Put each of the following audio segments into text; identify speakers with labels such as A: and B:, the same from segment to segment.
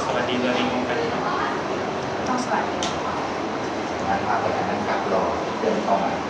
A: วัสดีตัวเองกันครับ
B: ต้องสวัสดี
C: งานพาไปนั่งกับรอเดินเข้ามา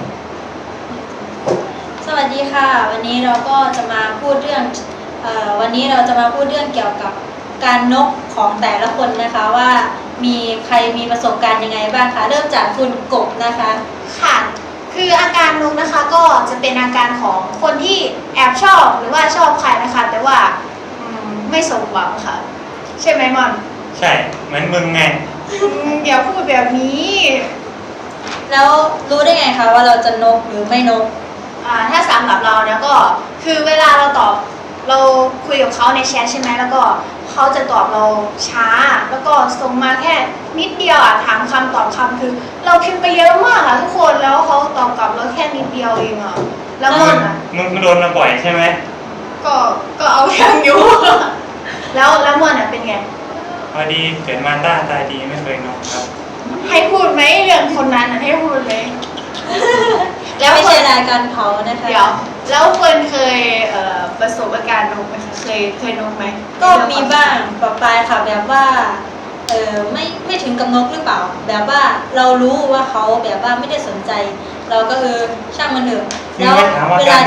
B: สวัสดีค่ะวันนี้เราก็จะมาพูดเรื่องวันนี้เราจะมาพูดเรื่องเกี่ยวกับการนกของแต่ละคนนะคะว่ามีใครมีประสบการณ์ยังไงบ้างคะเริ่มจากคุณกบนะคะ
D: ค่ะคืออาการนกนะคะก็จะเป็นอาการของคนที่แอบชอบหรือว่าชอบใครนะคะแต่ว่าไม่สมหวังค่ะใช่ไหมมอน
A: ใช่เหมือนมึงไง
D: อย่าพูดแบบนี้
B: แล้วรู้ได้ไงคะว่าเราจะนกหรือไม่นก
D: ถ้าสำหรับเราเนี่ยก็คือเวลาเราคุยกับเขาในแชทใช่ไหมแล้วก็เขาจะตอบเราช้าแล้วก็ส่งมาแค่นิดเดียวถามคำตอบคำคือเราพิมพ์ไปเยอะมากทุกคนแล้วเขาตอบกลับเราแค่นิดเดียวเองแล้วมอน
A: มึงโดนมาบ่อยใช่ไหม
D: ก็เอาเรื่องอยู่แล้วมอนเป็นไง
A: พอดีเกิดมาตาดีไม่เคยนกครับ
D: ให้พูดไหมเรื่องคนนั้นให้พูดไหม
B: แล้วไม่ใช่รายการเขานะคะ
D: เดี๋ยวแล้วเฟิร์นเคยประสบอาการนกไหมคะเคยนกไหม
B: ก็มีบ้างปะปายค่ะแบบว่าไม่ถึงกับนกหรือเปล่าแบบว่าเรารู้ว่าเขาแบบว่าไม่ได้สนใจเราก็ช่างมันเถอะ
A: แล้วเวลา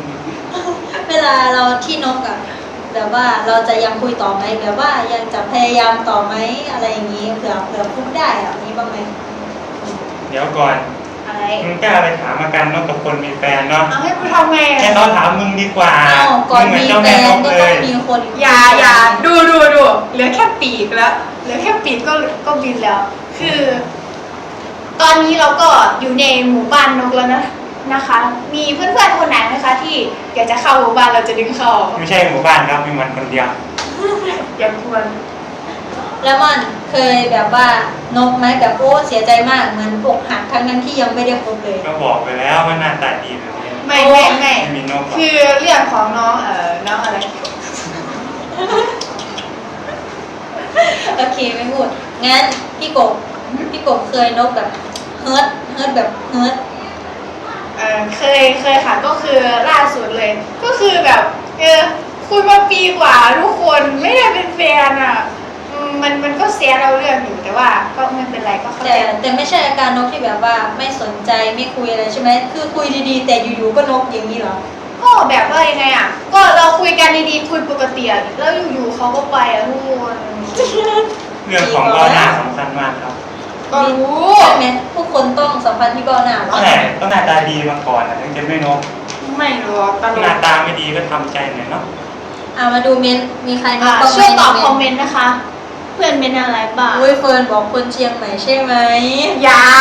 B: เราที่นกแบบว่าเราจะยังคุยต่อไหมแบบว่ายังจะพยายามต่อไหมอะไรอย่างนี้เผื่อพูดได้นี้บ้างไหม
A: เดี๋ยวก่อนมึงกล้าไปถามอาการนกกับคนมีแฟนเนาะ
D: ให้กูทำไง
A: แค่เขาถามมึงดีกว่า
B: ก่อนมีแฟนก็ต้องมีคน
D: อย่าดูเหลือแค่ปีกแล้วเหลือแค่ปีกก็บินแล้วคือตอนนี้เราก็อยู่ในหมู่บ้านนกแล้วนะคะมีเพื่อนๆคนไหนไหมคะที่อยากจะเข้าหมู่บ้านเราจะดึงเข้า
A: ไม่ใช่หมู่บ้านครับมีมันคนเดียว
D: อย่าควร
B: แล้วมันเคยแบบว่านกไหมแบบโอ้เสียใจมากเหมือนอกหักทั้งนั้นที่ยังไม่ได้พบเลย
A: ก็บอกไปแล้วว่าหน้าตาดีแบบนี้
D: ไม่
A: มีนก
D: คือเรื่องของน้องอะไร
B: โอเคไม่พูดงั้นพี่กบเคยนกแบบเฮิร์ตแบบเฮิร์ต
D: เคยค่ะก็คือล่าสุดเลยก็คือแบบคุยมาปีกว่าทุกคนไม่ได้เป็นแฟนมันก็เสียเราเรื่องอยู่แต่ว่าก็ไม่เป็นไรก็เข้าใจ
B: แต่ไม่ใช่อาการนกที่แบบว่าไม่สนใจไม่คุยอะไรใช่ไหมคือคุยดีๆแต่อยู่ๆก็นกอย่างนี้เหรอ
D: ก็แบบว่ายังไงก็เราคุยกันดีๆคุยปกติแล้วอยู่ๆเขาก็ไปทุกคน
A: เรื่องของเบ้าหน้าสำคัญมากครับ
D: ก็รู้
B: ใช่ไหมผู้คนต้องสัมพันธ์ที่เบ้าหน้า
A: ใช่ต้องหน้าตาดีมาก่อนถึงจะไม่นก
D: ไม่หรอก
A: หน้าตาไม่ดีก็ทำใจหน่อยเนาะ
B: มาดูเมนมีใครนก
D: บ้างช่วยตอบคอมเมนต์นะคะเพื่อนเป็นอะไรบ้าง
B: เฟิร์นบอกคนเชียงใหม่ใช่ไหม
D: อย่า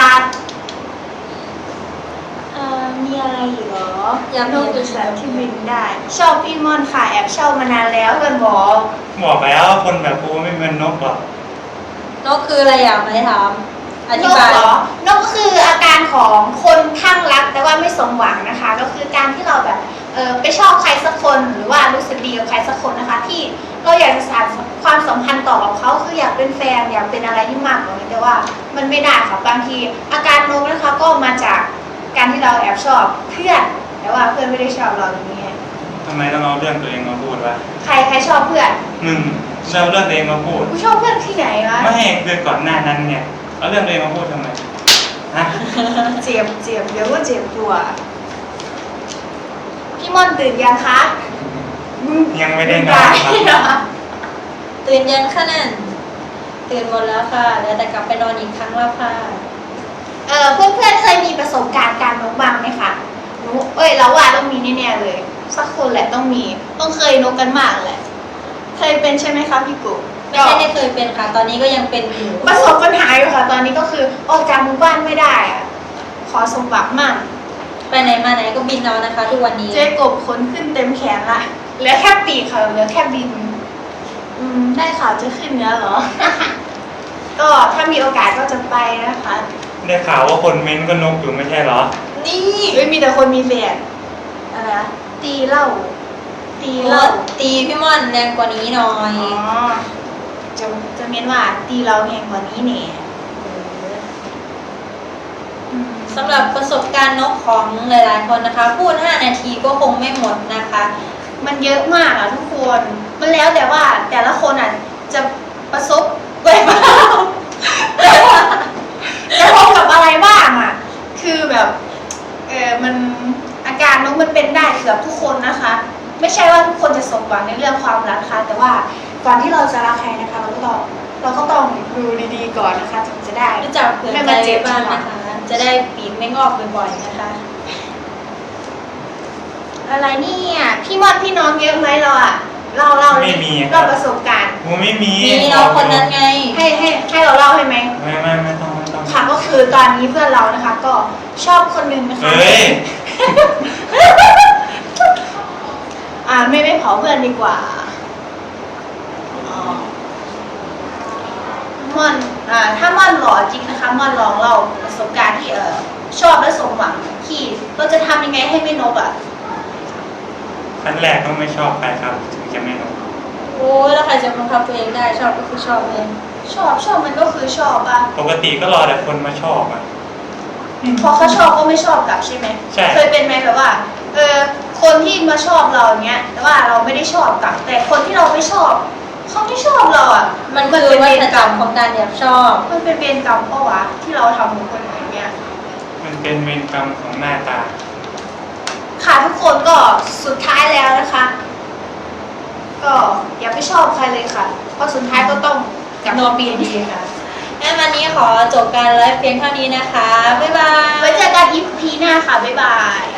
D: มีอะไรอีกเหรอ
B: อยาก
D: นกเป็นสัตว์ที่บินได้ชอบพี่มอนค่ะแอบชอบมานานแล้วเพื่อนบอก
A: แล้วคนแบบกูไม่เป็นนกหรอก
B: นกคืออะไรอยากถามอธิบาย
D: เหรอนกคืออาการของคนข้างรักแต่ว่าไม่สมหวังนะคะก็คือการที่เราแบบไปชอบใครสักคนหรือว่ารู้สึกดีกับใครสักคนนะคะที่เราอยากจะสานความสัมพันธ์ต่อกับเขาคืออยากเป็นแฟนอยากเป็นอะไรที่มากกว่านี้แต่ว่ามันไม่ได้ค่ะบางทีอาการนกนะคะก็มาจากการที่เราแอบชอบเพื่อนแต่ว่าเพื่อนไม่ได้ชอบเราอย่างนี้
A: ทำไมต้องเอาเรื่องตัวเองมาพูดวะ
D: ใครชอบเพื่อน
A: เอาเรื่องตัวเองมาพูด
D: กูชอบเพื่อนที่ไหนวะ
A: ไม่คือก่อนหน้านั้นเนี่ยเอาเรื่องตัวเองมาพูดทำไม
D: เจ็บเดี๋ยวก็เจ็บตัวพี่ม่อนตื่นยังคะ
A: ยังไม่ได้นอนครับ
B: ตื่นยังคะนั่นตื่นหมดแล้วค่ะแล้วแต่กลับไปนอนอีกครั้งแล้วค่ะ
D: เพื่อนเคยมีประสบการณ์การนกบ้างไหมคะเราว่าต้องมีแน่ๆเลยสักคนแหละต้องเคยนกกันมากแหละเคยเป็นใช่ไหมคะพี่กุ๊ก
B: ไม่เคยเป็นค่ะตอนนี้ก็ยังเป็นอยู่
D: ประสบปัญหาอยู่ค่ะตอนนี้ก็คือออกจากหมู่บ้านไม่ได้ขอสมบัติมาก
B: ไปไหนมาไหนก็บินเอานะคะทุกวันนี้
D: เจ๊กบขนขึ้นเต็มแขนละเหลือแค่ปีกค่ะเหลือแค่บินได้ข่าวจะขึ้นเนื้อเหรอ ก็ถ้ามีโอกาสก็จะไปนะคะ
A: ได้ข่าวว่าคนเม้นก็นกอยู่ไม่ใช่เหรอ
D: นี่มีแต่คนมีแฟนอะไรตีเหล้า
B: ตีพี่ม่อนแรงกว่านี้หน่อย
D: จะเม้นว่าตีเราแรงกว่านี้เนี่ย
B: สำหรับประสบการณ์นกของหลายๆคนนะคะพูด5 นาทีก็คงไม่หมดนะคะ
D: มันเยอะมากทุกคนมันแล้วแต่ว่าแต่ละคนจะปประสบไว้บ้างจะพบกับอะไรบ้างอ่ะคือแบบมันอาการนกมันเป็นได้เกือบทุกคนนะคะ ไม่ใช่ว่าทุกคนจะสมหวังในเรื่องความรักนะคะแต่ว่าก่อนที่เราจะรักใครนะคะเราก็ต้องดูดีๆก่อนนะคะถึงจะได้
B: รู้จักเผื่อใจไว้บ้างนะคะ จะได้ปีกไม่งอกบ่อยๆนะคะ
D: อะไรเนี่ยพี่มอดพี่น้องเยอะไหมเราอะเราเลยเราประสบการณ์
A: กูไม่มี
B: มีน้องคนนั้นไง
D: ให้เราเล่าให้ไหม
A: ไม่ต้อง
D: ค่ะก็คือตอนนี้เพื่อนเรานะคะ ก็ชอบคนหนึงนะคะ
A: เฮ้ย
D: ไม่เผาเพื่อนดีกว่าม่อนถ้าม่อนหล่อจริงนะคะม่อนลองเล่าประสบการณ์ที่ชอบและสมหวังที่เราจะทำยังไงให้ไม่นกอ่ะ
A: ขั้นแรกต้องไม่ชอบใครครับถึงจะไม่นก
B: โอ้ยแล้วใครจะบังคับตัวเองได้ชอบก็คือชอบเอง
D: ชอบมันก็คือชอบอ่ะ
A: ปกติก็รอแต่คนมาชอบอ่ะ
D: พอเขาชอบก็ไม่ชอบกลับใช่ไหม
A: ใช่
D: เคยเป็นไหมแบบว่าคนที่มาชอบเราอย่างเงี้ยแต่ว่าเราไม่ได้ชอบกลับ แต่คนที่เราไม่ชอบเขาไม่ชอบเราอ่ะ
B: มันคือวัฏจักรของการแอบชอบ
D: มันเป็นเวรกรรมเปล่าวะที่เราทำกับคนอื่นเงี้ย
A: มันเป็นเวรกรรมของหน้าตา
D: ค่ะทุกคนก็สุดท้ายแล้วนะคะ ก็อย่าไปชอบใครเลยค่ะ เพราะสุดท้ายก็ต้องกลับมาปีดีค่ะ
B: งั้นวันนี้ขอจบการไลฟ์เพียงเท่านี้นะคะ บ๊ายบาย
D: ไว้เจอกันอีพีหน้าค่ะ บ๊ายบาย